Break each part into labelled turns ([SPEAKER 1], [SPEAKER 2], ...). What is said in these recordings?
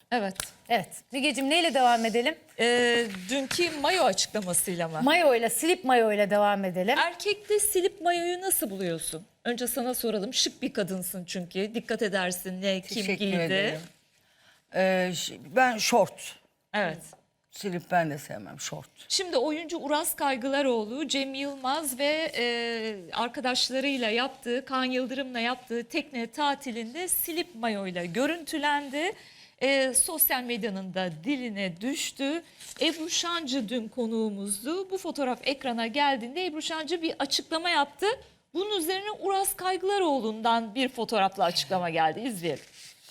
[SPEAKER 1] Evet.
[SPEAKER 2] Evet. Mügeciğim neyle devam edelim?
[SPEAKER 1] Dünkü mayo açıklamasıyla mı?
[SPEAKER 2] Mayoyla, slip mayoyla devam edelim.
[SPEAKER 1] Erkekte silip mayoyu nasıl buluyorsun? Önce sana soralım. Şık bir kadınsın çünkü. Dikkat edersin ne, kim
[SPEAKER 3] Teşekkür
[SPEAKER 1] giydi.
[SPEAKER 3] ederim. Ben şort.
[SPEAKER 1] Evet.
[SPEAKER 3] Silip ben de sevmem şort.
[SPEAKER 1] Şimdi oyuncu Uras Kaygılaroğlu, Cem Yılmaz ve arkadaşlarıyla yaptığı, Kaan Yıldırım'la yaptığı tekne tatilinde silip mayoyla görüntülendi. Sosyal medyanın da diline düştü. Ebru Şancı dün konuğumuzdu. Bu fotoğraf ekrana geldiğinde Ebru Şancı bir açıklama yaptı. Bunun üzerine Uras Kaygılaroğlu'ndan bir fotoğrafla açıklama geldi. İzleyelim.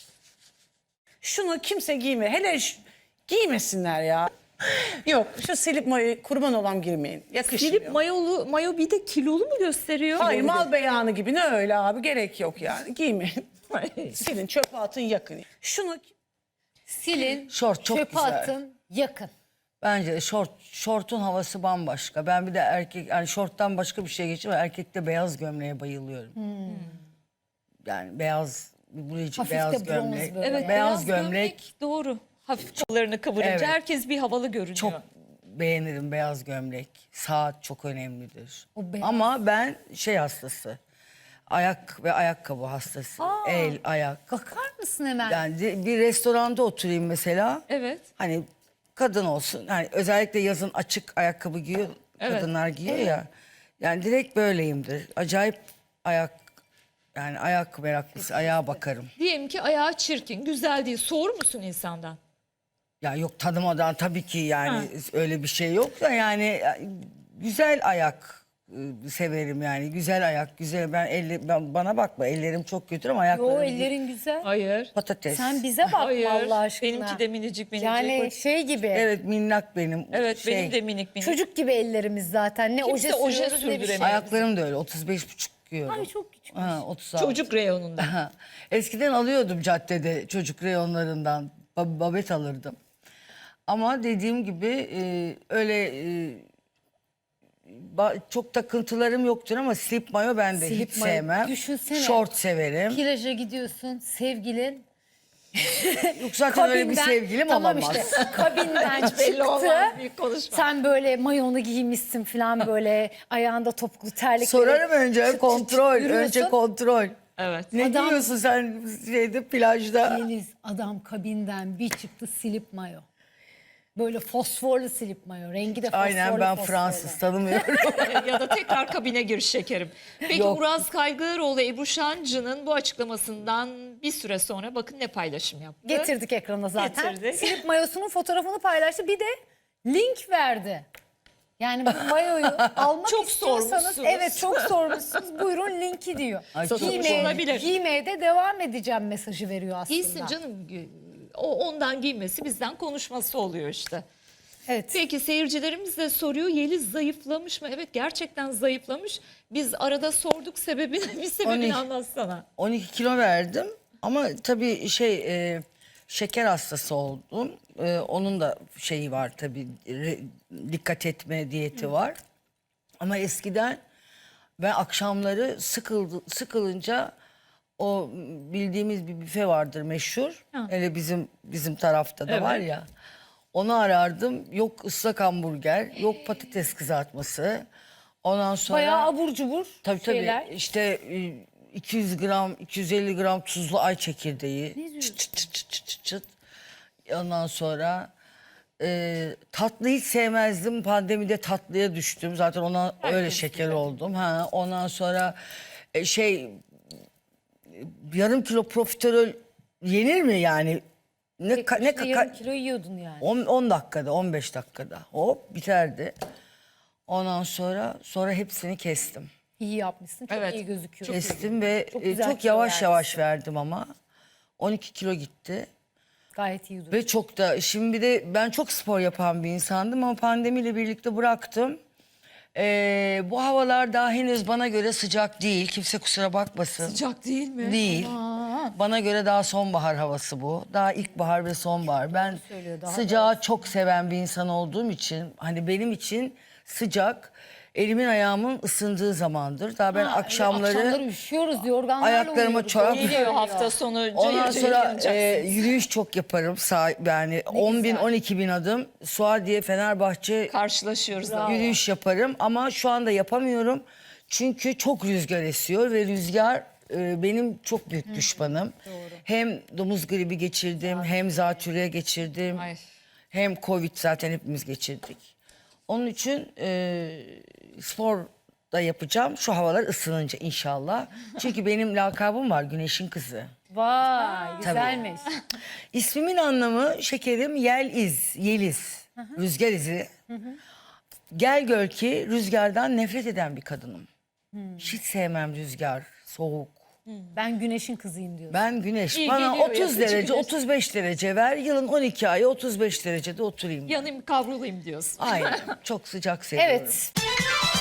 [SPEAKER 4] Şunu kimse giyme. Hele giymesinler ya. Yok şu silip mayoyu kurban olan girmeyin. Yakışmıyor.
[SPEAKER 1] Silip mayo bir de kilolu mu gösteriyor?
[SPEAKER 4] Hayır mal beyanı gibi ne öyle abi gerek yok yani. Giymeyin. Silin çöpe atın yakın. Şunu
[SPEAKER 2] Silin,
[SPEAKER 3] Şort çok
[SPEAKER 2] çöpe
[SPEAKER 3] güzel.
[SPEAKER 2] atın, yakın.
[SPEAKER 3] Bence de şortun havası bambaşka. Ben bir de erkek yani şorttan başka bir şey geçiyor. Erkekte beyaz gömleğe bayılıyorum. Yani beyaz
[SPEAKER 2] Hafif de
[SPEAKER 3] beyaz
[SPEAKER 2] bronz
[SPEAKER 3] gömlek.
[SPEAKER 2] böyle.
[SPEAKER 1] Evet,
[SPEAKER 3] beyaz gömlek
[SPEAKER 1] doğru. Hafif kollarını kıvırınca
[SPEAKER 3] Evet.
[SPEAKER 1] herkes bir havalı görünüyor.
[SPEAKER 3] çok beğenirim beyaz gömlek. Saat çok önemlidir.
[SPEAKER 2] O beyaz.
[SPEAKER 3] Ama ben şey hastası. Ayak ve ayakkabı hastası. El, ayak.
[SPEAKER 2] Bakar mısın hemen?
[SPEAKER 3] Yani bir restoranda oturayım mesela.
[SPEAKER 1] Evet.
[SPEAKER 3] Hani kadın olsun. Yani özellikle yazın açık ayakkabı giyiyor.
[SPEAKER 1] Evet.
[SPEAKER 3] Kadınlar giyiyor ya. Yani direkt böyleyimdir. Acayip ayak meraklısı. Ayağa bakarım.
[SPEAKER 1] Diyelim ki ayağı çirkin, güzel değil. Soğur musun insandan?
[SPEAKER 3] Ya yok tanımadan tabii ki yani öyle bir şey yok da yani güzel ayak severim yani. Güzel ayak, güzel. Ben bana bakma ellerim çok kötü ama ayaklarım
[SPEAKER 2] Yo ellerin güzel.
[SPEAKER 1] Hayır.
[SPEAKER 3] patates.
[SPEAKER 2] Sen bize bakma
[SPEAKER 1] Hayır.
[SPEAKER 2] Allah aşkına.
[SPEAKER 1] Benimki de minicik minicik.
[SPEAKER 2] Yani şey gibi.
[SPEAKER 3] Evet minnak benim.
[SPEAKER 1] Evet,
[SPEAKER 3] Şey,
[SPEAKER 1] benim de minik minik.
[SPEAKER 2] Çocuk gibi ellerimiz zaten. Ne
[SPEAKER 1] Kimse
[SPEAKER 2] oje
[SPEAKER 1] oje
[SPEAKER 2] sürüyoruz ne bir şey.
[SPEAKER 1] sürdüremiyor.
[SPEAKER 3] Ayaklarım da öyle 35,5 giyiyorum.
[SPEAKER 2] Ay çok küçük.
[SPEAKER 3] Ha, 36.
[SPEAKER 1] Çocuk reyonunda.
[SPEAKER 3] Ha, eskiden alıyordum caddede çocuk reyonlarından. Babet alırdım. Ama dediğim gibi öyle çok takıntılarım yoktur ama slip mayo ben de
[SPEAKER 2] Slip
[SPEAKER 3] hiç
[SPEAKER 2] mayo.
[SPEAKER 3] sevmem.
[SPEAKER 2] Düşünsene.
[SPEAKER 3] Şort severim.
[SPEAKER 2] Plaja gidiyorsun sevgilin.
[SPEAKER 3] Yok zaten öyle bir sevgilim
[SPEAKER 2] tamam
[SPEAKER 3] olamaz.
[SPEAKER 2] işte kabinden
[SPEAKER 1] Belli
[SPEAKER 2] çıktı.
[SPEAKER 1] olmaz, büyük konuşma.
[SPEAKER 2] Sen böyle mayonu giymişsin falan böyle ayağında topuklu terlikleri.
[SPEAKER 3] Sorarım önce kontrol.
[SPEAKER 2] yürüyorsun.
[SPEAKER 3] Önce kontrol.
[SPEAKER 1] Evet.
[SPEAKER 3] Ne
[SPEAKER 2] Adam-
[SPEAKER 3] giyiyorsun sen şeyde plajda?
[SPEAKER 2] Deniz adam kabinden bir çıktı silip mayo. Böyle fosforlu silip mayo. Rengi de fosforlu.
[SPEAKER 3] Aynen ben
[SPEAKER 2] fosforlu.
[SPEAKER 3] Fransız tanımıyorum.
[SPEAKER 1] Ya da tekrar kabine gir şekerim. Peki
[SPEAKER 3] Yok.
[SPEAKER 1] Uras Kaygılaroğlu Ebru Şancı'nın bu açıklamasından bir süre sonra bakın ne paylaşım yaptı.
[SPEAKER 2] Getirdik ekrana zaten.
[SPEAKER 1] Getirdik.
[SPEAKER 2] Silip mayosunun fotoğrafını paylaştı. Bir de link verdi. Yani bu mayoyu almak
[SPEAKER 1] Çok
[SPEAKER 2] istiyorsanız
[SPEAKER 1] sormuşsunuz.
[SPEAKER 2] evet çok sormuşsunuz. Buyurun linki diyor.
[SPEAKER 3] Ay, çok
[SPEAKER 1] Satılmış olabilir.
[SPEAKER 2] Giymeye de devam edeceğim mesajı veriyor aslında.
[SPEAKER 1] Giysin canım. O ondan giymesi bizden konuşması oluyor işte.
[SPEAKER 2] Evet.
[SPEAKER 1] Peki seyircilerimiz de soruyor Yeliz zayıflamış mı? Evet gerçekten zayıflamış. Biz arada sorduk sebebini, bir sebebini
[SPEAKER 3] 12.
[SPEAKER 1] anlatsana.
[SPEAKER 3] 12 kilo verdim ama tabii şeker hastası oldum. Onun da şeyi var tabii dikkat etme diyeti var. Ama eskiden ben akşamları sıkılınca o bildiğimiz bir büfe vardır meşhur. Hele bizim tarafta da
[SPEAKER 1] Evet.
[SPEAKER 3] var ya. Onu arardım. Yok ıslak hamburger, yok patates kızartması. Ondan sonra
[SPEAKER 2] Bayağı abur cubur
[SPEAKER 3] tabii
[SPEAKER 2] şeyler.
[SPEAKER 3] işte 200 gram, 250 gram tuzlu ay çekirdeği. Çıt çıt çıt çıt çıt çıt çıt. Ondan sonra tatlı hiç sevmezdim. Pandemide tatlıya düştüm. Zaten ona öyle şeker oldum. Ha, ondan sonra yarım kilo profiterol yenir mi yani?
[SPEAKER 2] Yarım kilo yiyordun yani.
[SPEAKER 3] 10 dakikada, 15 dakikada hop biterdi. Ondan sonra hepsini kestim.
[SPEAKER 2] İyi yapmışsın. Çok
[SPEAKER 1] Evet.
[SPEAKER 2] iyi gözüküyor.
[SPEAKER 3] Kestim ve
[SPEAKER 2] Çok
[SPEAKER 3] çok,
[SPEAKER 2] güzel kilo
[SPEAKER 3] yavaş
[SPEAKER 2] vermişsin.
[SPEAKER 3] yavaş verdim ama. 12 kilo gitti.
[SPEAKER 2] Gayet iyi duruyor.
[SPEAKER 3] Ve çok da şimdi bir de ben çok spor yapan bir insandım ama pandemiyle birlikte bıraktım. Bu havalar daha henüz bana göre sıcak değil. Kimse kusura bakmasın.
[SPEAKER 1] Sıcak değil mi?
[SPEAKER 3] Değil. Bana göre daha sonbahar havası bu. Daha ilkbahar ve sonbahar. Ben
[SPEAKER 2] söylüyor, daha
[SPEAKER 3] sıcağı çok seven bir insan olduğum için hani benim için sıcak. Elimin ayağımın ısındığı zamandır. Daha ben akşamları
[SPEAKER 2] üşüyoruz, yorganlarla
[SPEAKER 3] ayaklarıma
[SPEAKER 2] uyuyoruz.
[SPEAKER 3] çorap-
[SPEAKER 1] Geliyor hafta sonu.
[SPEAKER 3] ondan
[SPEAKER 1] cayır cayır
[SPEAKER 3] sonra
[SPEAKER 1] yanacaksınız.
[SPEAKER 3] yürüyüş çok yaparım. Yani 10 bin, 12 bin adım. Suadiye, Fenerbahçe
[SPEAKER 1] Karşılaşıyoruz. da.
[SPEAKER 3] yürüyüş yaparım. Ama şu anda yapamıyorum. Çünkü çok rüzgar esiyor ve rüzgar benim çok büyük düşmanım. Hem domuz gribi geçirdim, hem zatürre geçirdim.
[SPEAKER 1] Ay.
[SPEAKER 3] Hem Covid zaten hepimiz geçirdik. Onun için spor da yapacağım. Şu havalar ısınınca inşallah. Çünkü benim lakabım var, Güneşin Kızı.
[SPEAKER 2] Vay güzelmiş.
[SPEAKER 3] İsmimin anlamı şekerim Yeliz. Rüzgar izi. Gel gör ki rüzgardan nefret eden bir kadınım. Hiç sevmem rüzgar, soğuk.
[SPEAKER 2] Ben güneşin kızıyım diyor.
[SPEAKER 3] Ben güneş.
[SPEAKER 1] İyi
[SPEAKER 3] Bana
[SPEAKER 1] geliyor
[SPEAKER 3] 30
[SPEAKER 1] yazıcı
[SPEAKER 3] derece,
[SPEAKER 1] güneş.
[SPEAKER 3] 35 derece ver. Yılın 12 ayı 35 derecede oturayım.
[SPEAKER 1] Yanayım kavrulayım diyorsun.
[SPEAKER 3] Aynen. Çok sıcak seviyorum.
[SPEAKER 2] Evet.